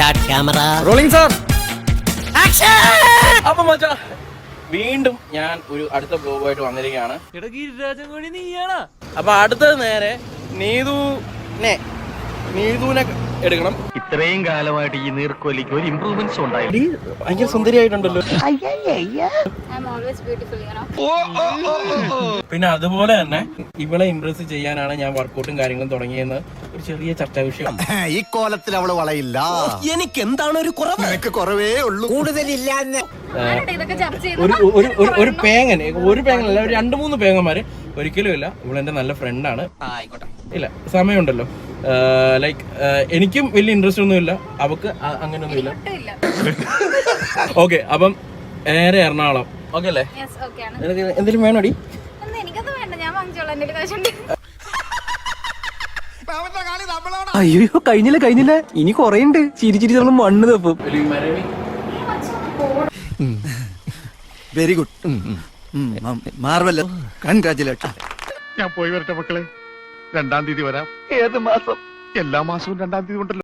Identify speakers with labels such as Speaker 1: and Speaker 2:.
Speaker 1: Start camera
Speaker 2: rolling sir.
Speaker 3: അപ്പൊ മച്ചാ വീണ്ടും ഞാൻ ഒരു അടുത്ത ബ്ലോഗുമായിട്ട് വന്നിരിക്കുകയാണ്. അപ്പൊ അടുത്തത് നേരെ നീതുനെ എടുക്കണം.
Speaker 4: ഇത്രയും കാലമായിട്ട് ഈ നീർക്കോലിക്ക് ഒരു ഇമ്പ്രൂവ്മെന്റ്സ് ഉണ്ടായില്ല.
Speaker 3: ഭയങ്കര സുന്ദരിയായിട്ടുണ്ടല്ലോ. പിന്നെ അതുപോലെ തന്നെ ഇവളെ ഇംപ്രസ് ചെയ്യാനാണ് ഞാൻ വർക്കൗട്ടും കാര്യങ്ങളും തുടങ്ങിയെന്ന് ഒരു ചെറിയ ചർച്ചാ വിഷയം.
Speaker 5: ഈ കോലത്തിൽ അവള് വളയില്ല.
Speaker 1: എനിക്ക് എന്താണ് ഒരു കുറവ്?
Speaker 5: നിനക്ക് കുറവേ ഉള്ളൂ, കൂടുതലില്ല.
Speaker 3: ഒരു പേങ്ങനല്ല, ഒരു 2-3 പേങ്ങന്മാര് ഒരിക്കലും ഇല്ല. ഇവളെന്റെ നല്ല ഫ്രണ്ടാണ്. ഇല്ല സമയമുണ്ടല്ലോ. ലൈക്ക് എനിക്കും വലിയ ഇൻട്രസ്റ്റ് ഒന്നും ഇല്ല, അവക്ക് അങ്ങനെയൊന്നും ഇല്ല. ഓക്കെ, അപ്പം നേരെ എറണാകുളം. ഓക്കെ അല്ലേ? എന്തെങ്കിലും വേണോടി?
Speaker 2: അയ്യോ കഴിഞ്ഞില്ല, ഇനി കൊറേണ്ട്. ചിരിച്ചിരി നമ്മൾ മണ്ണ് തപ്പും.
Speaker 5: Very good, marvellous, congratulation.
Speaker 4: ഞാൻ പോയി വരട്ടെ മക്കളെ. 2-ാം തീയതി വരാം. ഏത് മാസം? എല്ലാ മാസവും 2-ാം തീയതി ഉണ്ടല്ലോ.